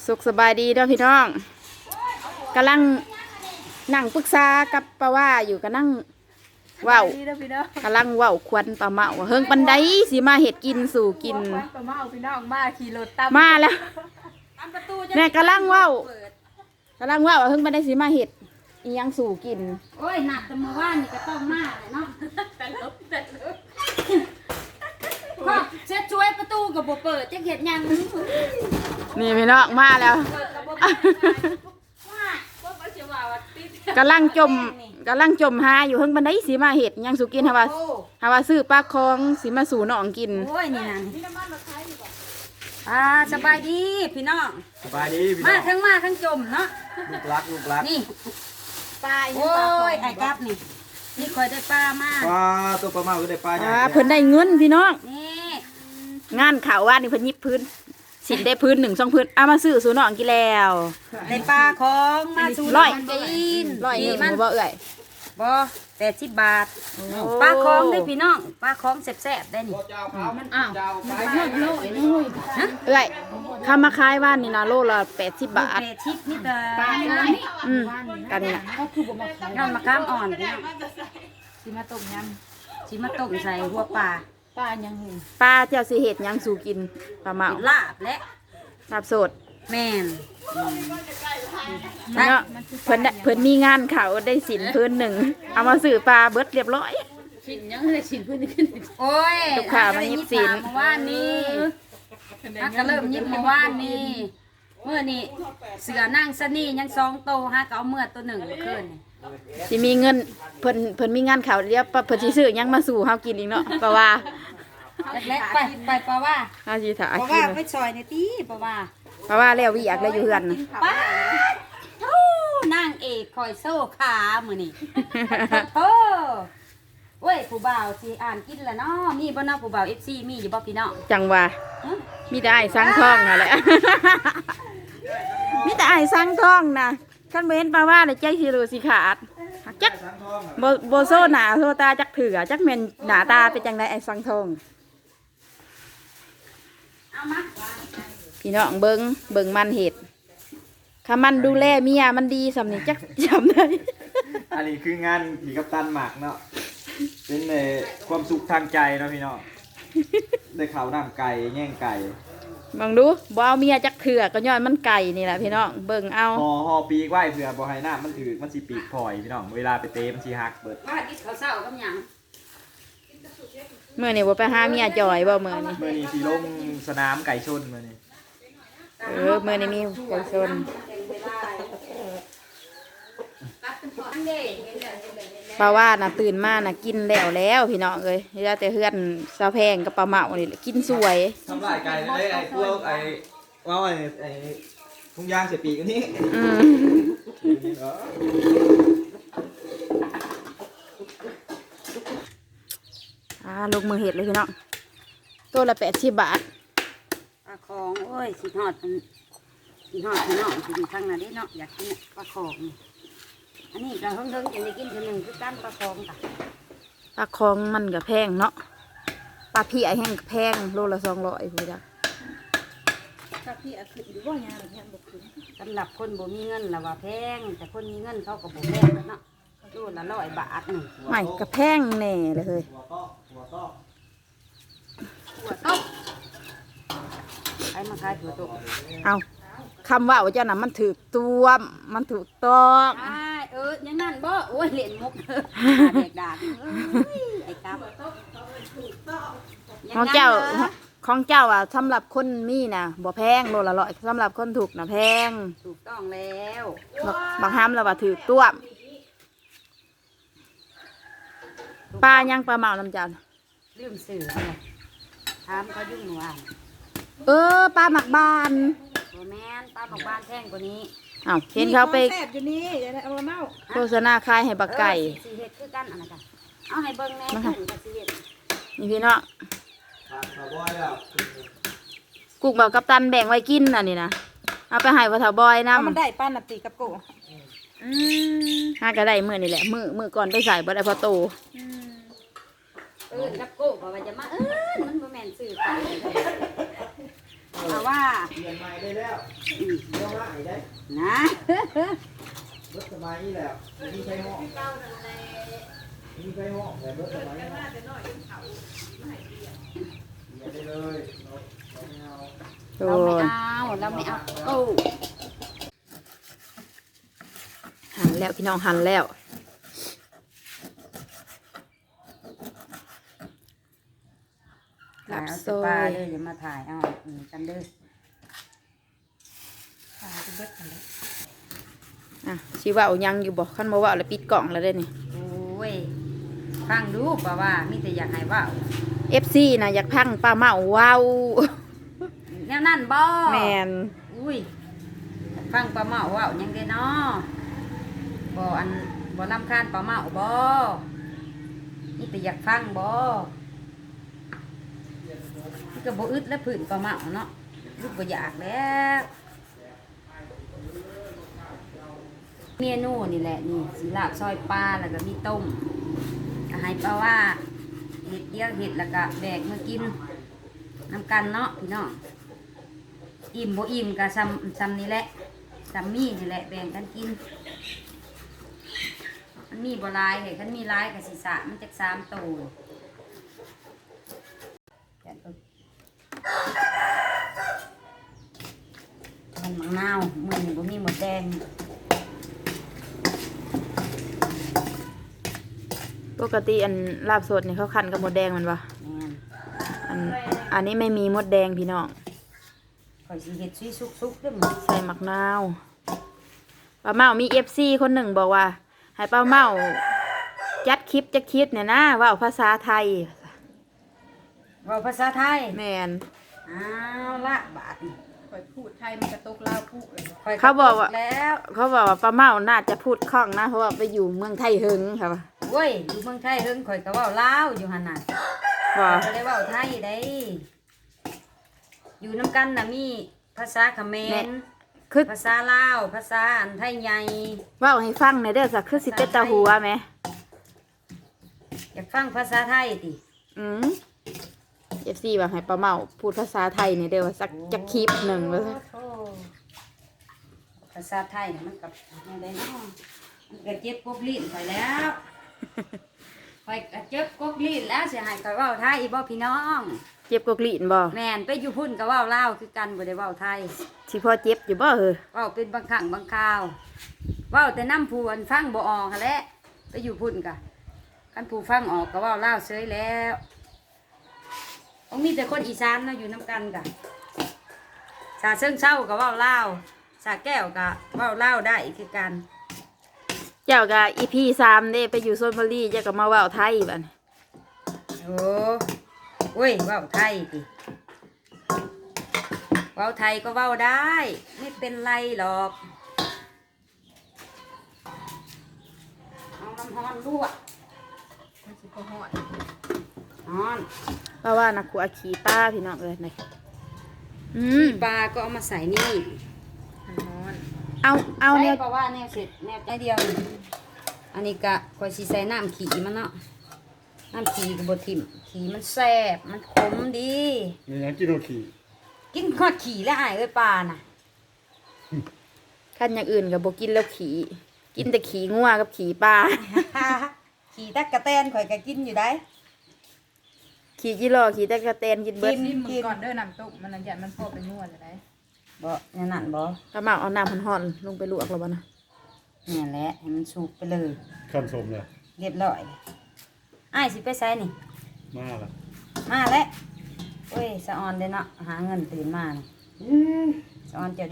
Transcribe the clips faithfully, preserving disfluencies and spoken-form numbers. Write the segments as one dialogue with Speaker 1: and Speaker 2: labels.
Speaker 1: สุขสบายดีเด้อพี่น้องกำลังนั่งปรึกษากับป้าว่าอยู่ก็นั่งว้าวกำลังว้าวควันปลาเมาเฮิงปันไดสิมาเห็ดกินสู่กินปลาเมาพี่น้องมาขี่รถตามมาแล้วเนี่ยกำลังว้าวกำลังว้าวเฮิงปันไดสิมาเห็ดอียังสู่กิน
Speaker 2: โอ้ยหนักแต่เมื่อวานนี่ก็ต้องมาเลยเนาะแต่ลบแต่ลบก็เช็ดช่วยประตูกับบ่เปิดจะเห็ดยัง
Speaker 1: นี่พี่น้องมาแล้วกำลังจมกำลังจมหาอยู่เฮิงบันไดสีมาเห็ดยังสุกินฮาวาฮาวาซื้อปลาคองสีมาสู่น้องกิน
Speaker 2: โอ้ยนี่นั่นอ่าสบายดีพี่น้อง
Speaker 3: สบายดีพี่น้
Speaker 2: มา
Speaker 3: อง
Speaker 2: ทั้งมาทั้งจมเนาะ
Speaker 3: ลูกรักลูกรัก
Speaker 2: นี่ปลาโอ้ยไอ้กับนี่นี่คอยได้ปลามา
Speaker 3: ปลาตัวปลาเมาก็ได้ปลาใหญ่
Speaker 1: เพิ่นได้เงินพี่น้อง
Speaker 2: นี่
Speaker 1: งานข่าวว่านี่เพิ่นยิบพื้นสินได้พื้นหนึ่งสองพื้นเอามาซื้อสู่น้องกินแล้ว
Speaker 2: ได้ปลาของมาสู่
Speaker 1: ร้อย
Speaker 2: กิน
Speaker 1: ร้อยหนึ่งบ่เอ่ย
Speaker 2: บ่แปดสิบบาทปลาของได้พี่น้องปลาของแซ่บๆได้นี่
Speaker 1: มันอ้าวโลโลเอ้ยข้ามาขายว่านนี่นะโลละแปดสิบบาท
Speaker 2: แปดสิบนี่ก็ปลานี่
Speaker 1: อืมกันนี่นะ
Speaker 2: นอนมะขามอ่อนพี่น้องสิมาต้มยำสิมาต้มใส่หัวปลา
Speaker 1: ปลายังปลาเจ้าสิเห็ดยังสู่กินปลาเมา
Speaker 2: ลาบและ
Speaker 1: ลาบสด
Speaker 2: แม่น
Speaker 1: เนาะเพิ่นเพิ่นมีงานเขาได้สินพื้นหนึ่งเอามาสื่อปลาเบิดเรียบร้อย
Speaker 2: สินยังได้สินพื้นขึ้นโอ้ย
Speaker 1: ลูกค้ามายิบสิน
Speaker 2: เมื่อวานนี้ฮักก็เริ่มยิบเมื่อวานนี้เมื่อนี้เสือนั่งสนี่ยังสองโตฮักก็เอาเมื่อตัวหนึ่งขึ้น
Speaker 1: สิมีเงินเพิ่นเพิ่นมีงานเขาเรียบเพิ่นสิซื้อยังมาสู่เฮากินอีกเนาะปลาว่า
Speaker 2: แรกไปไปปลาว่า
Speaker 1: เฮาสิถ่าย
Speaker 2: ปลาว่าไปซอยในตีปลาว่า
Speaker 1: ปลาว่าแล้ววิอยากแล้วอยู่เฮือน
Speaker 2: ป้าโอ้นางเอกคอยโซ่ขามื้อนี้โอ้เว้ยผู้บ่าวสิอ่านกินแล้วเนาะมีบ่เนาะผู้บ่าว เอฟ ซี มีอยู่บ่พี่น้อง
Speaker 1: จังว่ามีแต่อ้ายสังทองนั่นแหละมีแต่อ้ายสังทองนะคันบ่เห็นปลาว่าเลยใจสิรู้สิขาดจักบ่บ่โซหน้าโซตาจักเถื่อจักแม่นหน้าตาเป็นจังได๋ไอ้สังทอง
Speaker 2: เอามา
Speaker 1: พี่น้องเบิ่งเบิ่งมันเห็ดถ้ามันดูแลเมียมันดีสำนี้จักจำได้
Speaker 3: อันนี้คืองานผีกัปตันหมากเนาะเป็นในความสุขทางใจเนาะพี่น้องได้ข่าวน้ำไก่แง่งไก่
Speaker 1: มองดูบ่เอาเมียจักเถื่อก็ย้อนมันไก่นี่แหละพี่น้องเบิ่งเอา
Speaker 3: ห่อห่อปีกไว้เผื่อบ่ให้น้ำมันถือมันสิปีกพลอยพี่น้องเวลาไปเตะมันสิหักเบิด
Speaker 2: ว่ากินข้าวเช้ากับหยัง
Speaker 1: เมื่อนี่บ่ไปหาเมียจอยบ่เมื่อนี่
Speaker 3: เมื่อนี่สิลงสนามไก่ชนเมื่อนี่
Speaker 1: เออเมื่อนี่มีไก่ชนปลาว่าน่ะตื่นมาน่ะกินแล้วแล้วพี่น้องเอ้ยเหลือแต่เฮือนซาแพงกับปลาเมานี่แหละกินสวย
Speaker 3: ทำลายไก่เลยไอ้พวกไอ้ว่าไอ้ไอ้ทุ่งยางเสียปีกอันนี้
Speaker 1: อืมอ่าลงมือเห็ดเลยพี่น้องตัวละแปดสิบบาท
Speaker 2: ปลาของโอ้ยสิทอดสิทอดพี่น้องสิอยู่ทางนั้นดิเนาะอยากกินปลาของอันนี้เราเพิ่งเพิ่งจะได้กินทีหนึ่งคือการปลาคองค่ะ
Speaker 1: ปลาคองมันกับแพงเนาะปลาพี่ไอแห้งกับแพงโลละสองร้อยพูดจ้ะ
Speaker 2: ปลาพี่ขึ้นหรือว่ายาเนี่ยบกขึ้นสำหรับคนบ่มีเงินละว่าแพงแต่คนมีเงินเขาก็บ่แพงเนาะโลละร้อยบาทหนึ่ง
Speaker 1: ไม่กับแพงแน่เลยเฮ้ย
Speaker 2: หัวโต๊ะหัวโต๊ะใครมาขายหัวโต๊ะ
Speaker 1: เอาคำว่าว่าเจ้าน่ะมันถูกตัวมันถูกต้อง
Speaker 2: ใช่เออยังนั่นบ่โอ้ยเหรียญมุกเด็กด่าไอ้กับ
Speaker 1: ของเจ้าของเจ้าอ่ะสำหรับคนมีน่ะบ่แพงโลละร้อยสำหรับคนถูกน่ะแพง
Speaker 2: ถูกต้องแล้ว
Speaker 1: บางห้ามเราว่าถูกตัวปลายังปลาเมาน้ำจัน
Speaker 2: ลืมสื่อเลยถามเขายุ่งหนูอ่ะ
Speaker 1: เออปลาหมักบาน
Speaker 2: โอ้แม่นปลาหมักบานแท่งกว่านี้
Speaker 1: อ้าวเห็นเขาไป
Speaker 2: แซ่บอยู่นี่เดี๋ยวเอามาเมา
Speaker 1: โฆษณาขายให้บักไก่
Speaker 2: สีเห็ดคือกันอะไรกันเอาให้เบิ้งแม่ถุงกับสีเห็ด
Speaker 1: นี่พี่เนาะกุกบอกกัปตันแบ่งไว้กินอันนี้นะเอาไปให้วัฒบอยนะ
Speaker 2: มันได้ป้านาตีกับโก
Speaker 1: อืมห้าก็ได้มือนี่แหละมือมือก่อนไปใส่บ่ได้พอโต
Speaker 2: เออกับโกบอกว่าจะมาเออมันโมเมนต์สื่อไปเพราะว่า
Speaker 3: เปลี่ยนใหม่ได้แล้วเดี๋ยวมาอีกได้
Speaker 2: นะ
Speaker 3: รถสมัยนี้แล้วมีใช้ห้องมีใช้ห้องแต่รถสมัยนี้เปลี่ยนได้เลยเราเราไม่เอา
Speaker 1: โอ้
Speaker 2: เรา
Speaker 1: ย
Speaker 2: ไม่เอาเราไม่เอาโอ้
Speaker 1: หันแล้วพี่น้องหันแล้วหลับโซ่
Speaker 2: ปลาเลยอย่ามาถ่ายเอาอืมกันเด้อถ่ายไปเบิดกันเลย
Speaker 1: อ่ะชีว่ายังอยู่บอกขั้นมาว่าแล้วปิดกล่องแล้วได้นี่
Speaker 2: โอ้ยฟังดูป่าว่ามีแต่อยากให้เว่า
Speaker 1: เอฟซีนะอยากพังป้าเมาว้าว
Speaker 2: แนวนั่นบ่
Speaker 1: แมน
Speaker 2: อุ้ยฟังปลาเมาเว่ายังได้เนาะบ่อันบ่ลำคาญปลาเมาบ่นี่แต่อยากฟังบ่นี่ก็บ่อึดและผื่นปลาเมาเนาะลูกบ่อยากแล้วเมนูนี่แหละนี่สีลาบซอยปลาแล้วก็มีต้มอาหารปลาว่าเห็ดเดียวเห็ดแล้วก็แบกมากินนำกันเนาะพี่น้องอิ่มบ่อิ่มก็ซ้ำซ้ำนี่แหละซ้ำมีนี่แหละแบ่งกันกินมันมีบ่หลายเห็ดมันมีหลายกับศีรษะมันจะสามตัวมันมะนาวมือนี่บ่มีหมดแดง
Speaker 1: ปกติอันลาบสดนี่เขาคั้นกับมดแดงมันวะ
Speaker 2: แม่น
Speaker 1: อันอันนี้ไม่มีมดแดงพี่น้อง
Speaker 2: ข่อยสิเฮ็ดซุยสุกๆเด้อหมด
Speaker 1: ใส่มักนาวป้าเมามีเอฟซีคนหนึ่งบอกว่า ให้ป้าเมาจัดคลิปจะคิดเนี่ยนะว่าภาษาไทย
Speaker 2: เว้าภาษาไทย
Speaker 1: แมน
Speaker 2: อ้าวละบาดนี่
Speaker 4: ข่อยพูดไทยมันกระตกลาวพูดเลย
Speaker 2: ข่ย
Speaker 1: เขาบอกว่า
Speaker 2: แล้ว
Speaker 1: เขาบอกว่าป้าเมาน่าจะพูดคล่องนะเพราะว่าไปอยู่เมืองไทยเฮงค่ะ
Speaker 2: เว้ยอยู่เมืองไทยเฮิงข่อยก็เว้าลาวอยู่หั่นน่ะ
Speaker 1: ว่า
Speaker 2: ข่อยก็ได้เว้าไทยได้ อยู่นํกันน่ะมีภาษาเขมร
Speaker 1: คือ
Speaker 2: ภาษาลาวภาษาอันไทยใหญ่
Speaker 1: เว่าให้ฟังในอยเด้อสักคือสิเป็นตาหัวไหม
Speaker 2: อยากฟังภาษาไทยติ
Speaker 1: อืมเอฟซีว่าให้ป้าเมาพูดภาษาไทยเนี่ยเด้อว่าสักจะคลิปหนึ่งว่าซะ
Speaker 2: โอ้โธ่ภาษาไทยน่ะมันกับแนวใดเนาะมันก็เจ็บกบลิ้นไปแล้วข่อยก็เจ็บกบลิ้นแล้วสิให้ข่อยเว้าไทยอีบ่พี่น้อง
Speaker 1: เจ็บกกลีนบ่
Speaker 2: แม่นไปอยู่พุ่นก็เว้าลาวคือกันบ่ได้เว้าไทย
Speaker 1: สิพอเจ็บอยู่บ่เออ
Speaker 2: เว้าเป็นบางครั้งบางคราวเว้าแต่น้ำผู้อันฟังบ่ออกหั่นแหละไปอยู่พุ่นกะคันผู้ฟังออกก็เว้าลาวเฉยแล้วต้องมีแต่คนอีสานเนาะอยู่นํกันกะสาเชิงเศร้าก็เว้าลาวสาแก้วก็เว้าลาวได้คือกัน
Speaker 1: เจ้าก็อีพีสามเด้ไปอยู่โซนบุรีเจ้าก็มาเว้าไทยบัดนี้
Speaker 2: โอ้โอ้ยเว้าไทยติเว้าไทยก็เว้าได้ไม่เป็นไรหรอกเอาน้ำฮ้อนลวก
Speaker 4: มันสิบ่ฮอด
Speaker 2: ฮ้อน
Speaker 1: เพราะว่านักขัวขี่ป้าพี่น้องเลยนี่อืม
Speaker 2: ปลาก็เอามาใส่นี่
Speaker 4: มันฮ้อน
Speaker 1: เอาเอาเนี่ย
Speaker 2: ใส่เพราะว่าแนวเสร็จแนวใจเดียวนี่อันนี้ก็คอยสีใส่น้ำขี่มันเนาะน้ำขี่กับบทิมขี่มันแซ่บมันขมดี
Speaker 3: มีอย่างกินโอขี่
Speaker 2: กินขอดขี่แล้วอายเอ้ยปลาน่ะ
Speaker 1: ขั้นอย่างอื่นกับบกินแล้วขี่กินแต่ขี่งัวกับขี่ปลา
Speaker 2: ขี่ตักกะแตนข่อยก็กินอยู่ได้
Speaker 1: ขี่จิโร่ขี่ตะกะแตนกินเบิด
Speaker 4: ซิมมือก่อนเด้อน้ำต้มมันนั่นยันมันพอไปนวดเลยได้
Speaker 2: บ่เนี่ยนั่นบ่
Speaker 1: กระเมาเอาน้ำห่อนๆลงไปลวกแล้วบ่นะ
Speaker 2: เนี่ยแหละให้มันสุกไปเลย
Speaker 3: ขั้นสมเลย
Speaker 2: เรียบร้อยอ้ายสิไปใส่นี่
Speaker 3: มาละ
Speaker 2: มาแล้วโอ้ยสะออนเด้อเนาะหาเงินตื่นมาน่ะสะออนเจ้าเด้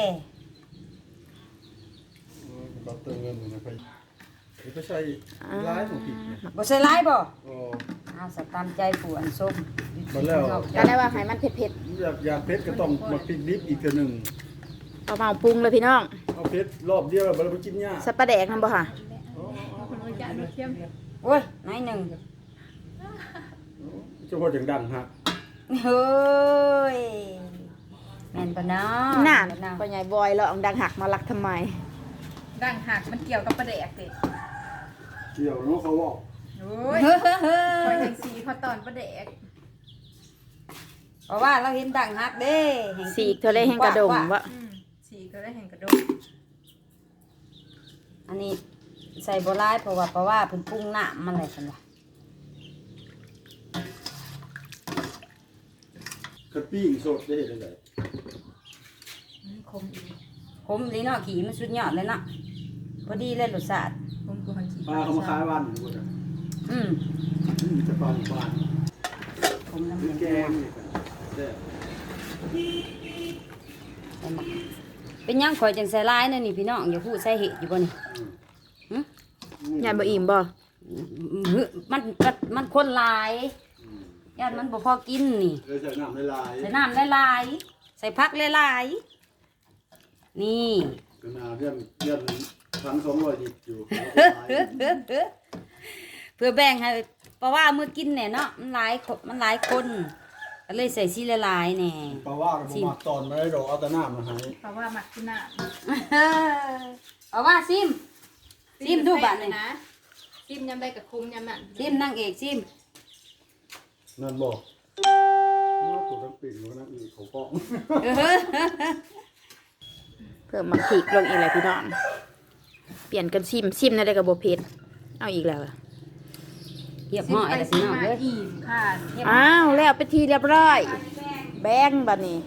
Speaker 3: เราเติมเงินอยู่นะไปไปใช้ร้ายของผิดเนี่ย
Speaker 2: บ่ใส่หลายบ่
Speaker 3: โอ้
Speaker 2: เอาสตามใจผู้อันส้ม
Speaker 3: มาแล้ว
Speaker 1: ก็ได้ว่าให้มันเผ็ด
Speaker 3: อยากอยากเพชรก็ต้องมาพริกดิบอีกเทื่อหนึ่ง
Speaker 1: ๆเอาเมาปรุงเลยพี่น้อง
Speaker 3: เอาเพชรรอบเดียวเราไปกินยา
Speaker 1: สับปะแดกนั่นบ่ค่ะ
Speaker 4: คนรู้จักรู้เทียม
Speaker 2: โอ้ยนายหนึ่ง
Speaker 3: เจ้าพ่ออย่างดังฮะ
Speaker 2: เฮ้ยแม่นปะเนาะ
Speaker 1: น่าน
Speaker 2: แม่ปะ
Speaker 1: พ่อใหญ่บอยเราเอาดังหักมาลักทำไม
Speaker 4: ดังหักมันเกี่ยวกับประแดกติ
Speaker 3: เกี่ยวเนาะเขาบอก
Speaker 4: โอ้ย
Speaker 2: เฮ้ยเฮ้ยเฮ้
Speaker 4: คอย
Speaker 2: ย
Speaker 4: แทงสีพอตอนประแดก
Speaker 2: ปราะว่าเราเห็นดังฮักเด้แห่ง
Speaker 1: สีกเธอได้แห้งกระดมวะ
Speaker 4: อืมสีก็ได้แห่งกระดก
Speaker 2: อันนี้ใส่บัวลายเพราะว่าเพราะว่าเพิ่นปรุงน้ำมันอะไรกันวะ
Speaker 5: กระปี้งสดได้เห็นได้
Speaker 4: มันคมอีก
Speaker 2: ขมดีเนาะขี่มันสุดยอดเลยเนาะพอดีเลยรสชาติ
Speaker 4: คมกูหันขี้
Speaker 5: ปลาเขามาขายวันอยู่บ่
Speaker 2: อืม
Speaker 5: อืมจะปลาหมู่บ้าน
Speaker 2: ขมน้ำ
Speaker 5: มี
Speaker 2: มัน
Speaker 5: แกงนี่กันแซ่บ
Speaker 2: ใส่หมักเป็นหยังข่อยจังใส่ลายนั่นนี่พี่น้องอย่าพูดใส่เห็ดอยู่บ่นี่หึ
Speaker 1: ยายบ่อิ่มบ่
Speaker 2: หึมันมันมันคนหลายญาติมันบ่พอกินนี่
Speaker 5: เลยใส่น้ำละลาย
Speaker 2: ใส่น้ำหลายๆใส่ผักหลายๆนี่
Speaker 5: ก็นาเรื่องเรื่องพันสองร้อยดิบอยู่
Speaker 2: เพื่อแบ่งให้เพราะว่ามื้อกินเนี่ยเนาะมันหลายคนมันหลายคนก็เลยใส่ซีละลายแน่
Speaker 5: ปลาว่าก็บ่มักตอนไม่ได้ดอกเอาแต่น้ำมาให้
Speaker 4: เพราะว่าหมักกินน้
Speaker 2: เอาว่าซิม
Speaker 4: ำ
Speaker 2: ซิมดูบัดนี่
Speaker 4: นะซิมยำได้กับคุมยำนั่น
Speaker 2: ซิมนางเอกซิม
Speaker 5: นั่นบอกตัวทั้งปีกแล้วนั่นอีกเขาก็
Speaker 1: เพิ่มมักพริกลงอีกแล้วพี่น้องเปลี่ยนกันชิมชิมนั่นได้กับบ่เผ็ดเอาอีกแล้วอะ
Speaker 2: เรียบห้อยแล้วพี่น้องเด้อ
Speaker 4: อิ่มค่ะ
Speaker 1: อ้าวแล้วไปนทีเรียบร้อย แบ่งบัดนี้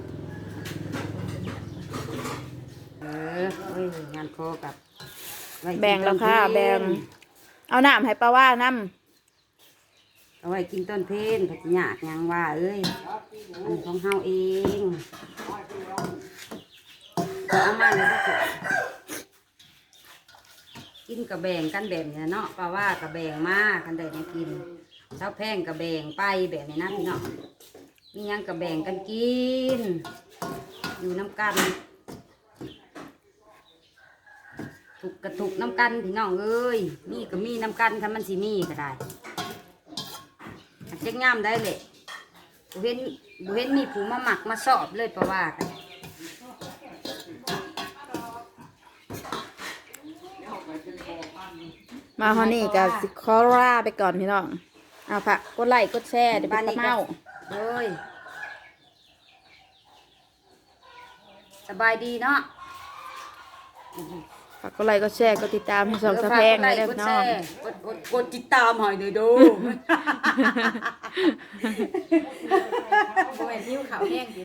Speaker 2: เออเอ้ยงานโคกับไกิน
Speaker 1: แบ่งแล้วค่ะ
Speaker 2: ต้นเพล
Speaker 1: แบ่งเอาน้ำให้ป้าว่าน้
Speaker 2: เอาไว้กินต้นเพลนผักหยากหยังว่าเอ้ยอันของเฮาเองเอามาเลยก็กินกับแบ่งกันแบบนี้เนาะป้าว่ากับแบ่งมากันได้ให้กินเช้าแพงกับแบ่งไปแบบนี้นะพี่น้องมีหยังกับแบ่งกันกิน อยู่น้ำกันถูกกระถูกน้ำกันพี่น้องเอ้ยมีก็มีน้ำกันคันมันสิมีก็ได้เจ๊งงามได้เลยบุเห็นบุเห็นมีผู้มาหมักมาสอบเลยเพราะว่ากัน
Speaker 1: ำมาฮอนี่กับสิคอร่าไปก่อนพี่น้องเอาผักกดไลค์กดแชร์เดี๋ยวไปตะเมา
Speaker 2: เลยสบายดีเนาะ
Speaker 1: ฝากกดไลค์กดแชร์กดติดตามให้สองสะแพงเลยเด้อพี่น้อง
Speaker 2: กดกดกดติดตามหน่อยเด้อดู
Speaker 4: โอ้ยนิ้วขาวแห้ง